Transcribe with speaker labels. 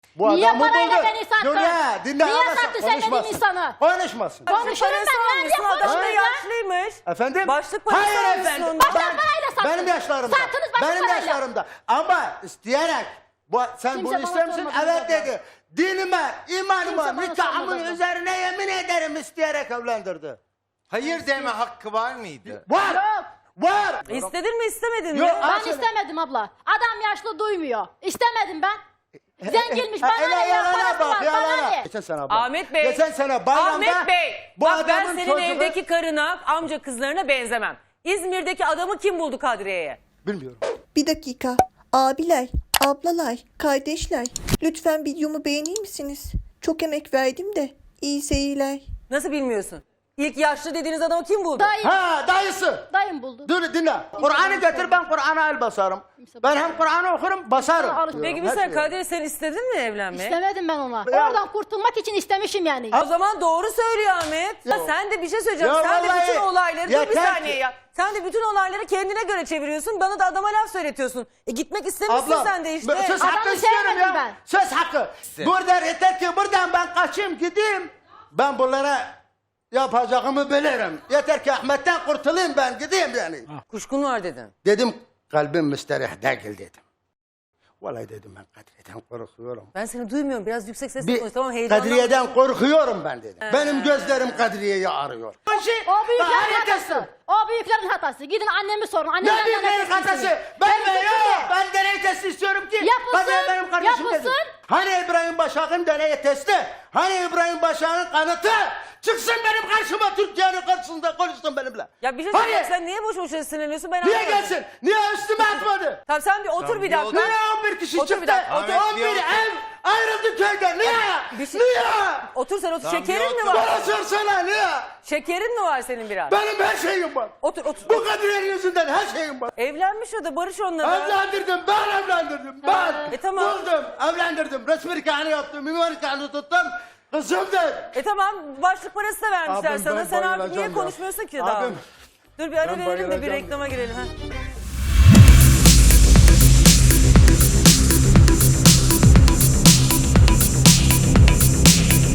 Speaker 1: Bu
Speaker 2: Niye
Speaker 1: adamı
Speaker 2: parayla
Speaker 1: buldu.
Speaker 2: beni sattın?
Speaker 1: Dünya, dinle
Speaker 2: Niye
Speaker 1: ama
Speaker 2: sattın sen benim insanı?
Speaker 1: Konuşmasın.
Speaker 2: Konuşurum ben. Nerede
Speaker 3: Adam da
Speaker 2: konuşurum ya?
Speaker 3: yaşlıymış.
Speaker 1: Efendim?
Speaker 3: Başlık parası
Speaker 1: Hayır
Speaker 3: almışsın
Speaker 1: efendim.
Speaker 3: ondan.
Speaker 2: Başka parayla sattınız.
Speaker 1: Benim yaşlarımda.
Speaker 2: Sattınız başka
Speaker 1: Benim
Speaker 2: parayla.
Speaker 1: yaşlarımda. Ama isteyerek. Sen
Speaker 2: Kimse
Speaker 1: bunu
Speaker 2: bana
Speaker 1: ister misin?
Speaker 2: sormadı
Speaker 1: Evet
Speaker 2: zaten.
Speaker 1: dedi. Dinime, imanıma,
Speaker 2: Kimse bana
Speaker 1: nikahımın
Speaker 2: sormadı.
Speaker 1: üzerine yemin ederim isteyerek evlendirdi.
Speaker 4: Hayır deme hakkı var mıydı?
Speaker 1: Var.
Speaker 2: Yok.
Speaker 1: Var.
Speaker 3: İstedin mi istemedin mi?
Speaker 1: Yok,
Speaker 2: Ben
Speaker 1: Aslında-
Speaker 2: istemedim abla. Adam yaşlı duymuyor. İstemedim ben. Zenginmiş. Bana
Speaker 1: Hele
Speaker 2: ne ya?
Speaker 1: yalana
Speaker 2: Parası
Speaker 1: bak
Speaker 2: var. Bana
Speaker 1: yalana.
Speaker 2: ne?
Speaker 1: Geçen sene abla.
Speaker 3: Ahmet Bey.
Speaker 1: Geçen sene bayramda.
Speaker 3: Ahmet Bey.
Speaker 1: Bu
Speaker 3: Bak ben
Speaker 1: adamın
Speaker 3: senin
Speaker 1: çocuğu-
Speaker 3: evdeki karına, amca kızlarına benzemem. İzmir'deki adamı kim buldu Kadriye'ye?
Speaker 1: Bilmiyorum.
Speaker 5: Bir dakika. Abiler, ablalar, kardeşler. Lütfen videomu beğenir misiniz? Çok emek verdim de. İyi seyirler.
Speaker 3: Nasıl bilmiyorsun? İlk yaşlı dediğiniz adamı kim buldu?
Speaker 2: Dayım.
Speaker 1: Ha dayısı.
Speaker 2: Dayım buldu.
Speaker 1: Dur dinle. Kur'an'ı getir ben Kur'an'a el basarım. Ben hem Kur'an'ı okurum basarım.
Speaker 3: Peki bir
Speaker 1: Her
Speaker 3: sen
Speaker 1: şey.
Speaker 3: Kadriye sen istedin mi evlenmeyi?
Speaker 2: İstemedim ben ona.
Speaker 1: Ya.
Speaker 2: Oradan kurtulmak için istemişim yani.
Speaker 3: O zaman doğru söylüyor Ahmet. Ya sen de bir şey söyleyeceğim.
Speaker 1: Ya
Speaker 3: Sen de
Speaker 1: vallahi
Speaker 3: bütün olayları dur bir
Speaker 1: yeter
Speaker 3: saniye
Speaker 1: ki.
Speaker 3: ya. Sen de bütün olayları kendine göre çeviriyorsun. Bana da adama laf söyletiyorsun. Gitmek istemişsin
Speaker 1: Abla,
Speaker 3: sen de işte.
Speaker 1: Söz
Speaker 2: Adamı
Speaker 1: hakkı istiyorum
Speaker 2: sevmedim
Speaker 1: ya.
Speaker 2: ben.
Speaker 1: Söz hakkı. Burada yeter ki buradan ben kaçayım gideyim. Ben bunlara yapacağımı bilirim. Yeter ki Ahmet'ten kurtulayım ben gideyim yani.
Speaker 3: Kuşkun var dedin.
Speaker 1: Dedim kalbim müsterih değil dedim. Vallahi dedim ben Kadriye'den korkuyorum.
Speaker 3: Ben seni duymuyorum. Biraz yüksek sesle
Speaker 1: Bir
Speaker 3: konuş. Tamam heyecanlanma.
Speaker 1: Kadriye'den korkuyorum ben dedim. Benim gözlerim Kadriye'yi arıyor.
Speaker 2: O büyüklerin hatası. O büyüklerin hatası. Gidin annemi sorun.
Speaker 1: Ne
Speaker 2: Annemden
Speaker 1: büyük
Speaker 2: nefret
Speaker 1: neyin hatası?
Speaker 2: etmişsiniz.
Speaker 1: Ben
Speaker 2: Benim
Speaker 1: de
Speaker 2: suçum
Speaker 1: yok.
Speaker 2: ne?
Speaker 1: Ben deney testi istiyorum ki.
Speaker 2: Yapılsın,
Speaker 1: Kadriye benim kardeşim
Speaker 2: yapılsın.
Speaker 1: dedim. Hani İbrahim Başak'ın deney testi? Hani İbrahim Başak'ın kanıtı? Çıksın benim karşıma Türkiye'nin karşısında konuşsun benimle.
Speaker 3: Ya bir şey
Speaker 1: Hani?
Speaker 3: söyleyeyim. Sen niye boş boşuna sinirleniyorsun? Ben
Speaker 1: Niye
Speaker 3: anlamadım.
Speaker 1: gelsin? Niye üstüme atmadı?
Speaker 3: Tamam sen bir otur bir dakika.
Speaker 1: Niye 11 kişi
Speaker 3: Otur bir
Speaker 1: çıktı?
Speaker 3: dakika,
Speaker 4: otur.
Speaker 1: 11 ev ayrıldı köyden. Niye?
Speaker 3: Bir şey-
Speaker 1: Niye?
Speaker 3: Otur sen otur.
Speaker 4: Tamam,
Speaker 3: Şekerin
Speaker 4: bir
Speaker 3: mi
Speaker 4: otur.
Speaker 3: var?
Speaker 1: Bana sorsana niye?
Speaker 3: Şekerin mi var senin biraz?
Speaker 1: Benim her şeyim var.
Speaker 3: Otur otur.
Speaker 1: Bu Kadriye'nin yüzünden her şeyim var.
Speaker 3: Evlenmiş o da barış onunla.
Speaker 1: Evlendirdim, ben evlendirdim. Ben
Speaker 3: tamam.
Speaker 1: buldum, evlendirdim. Resmi nikahını yaptım, mimar nikahını tuttum. Kızımdır.
Speaker 3: Tamam başlık parası da vermişler
Speaker 1: Abim,
Speaker 3: sana.
Speaker 1: ben
Speaker 3: Sen artık
Speaker 1: bayılacağım
Speaker 3: niye
Speaker 1: ya.
Speaker 3: konuşmuyorsun ki daha?
Speaker 1: Abim,
Speaker 3: Dur bir ara
Speaker 1: ben
Speaker 3: verelim de bir
Speaker 1: bayılacağım
Speaker 3: reklama girelim. Ha.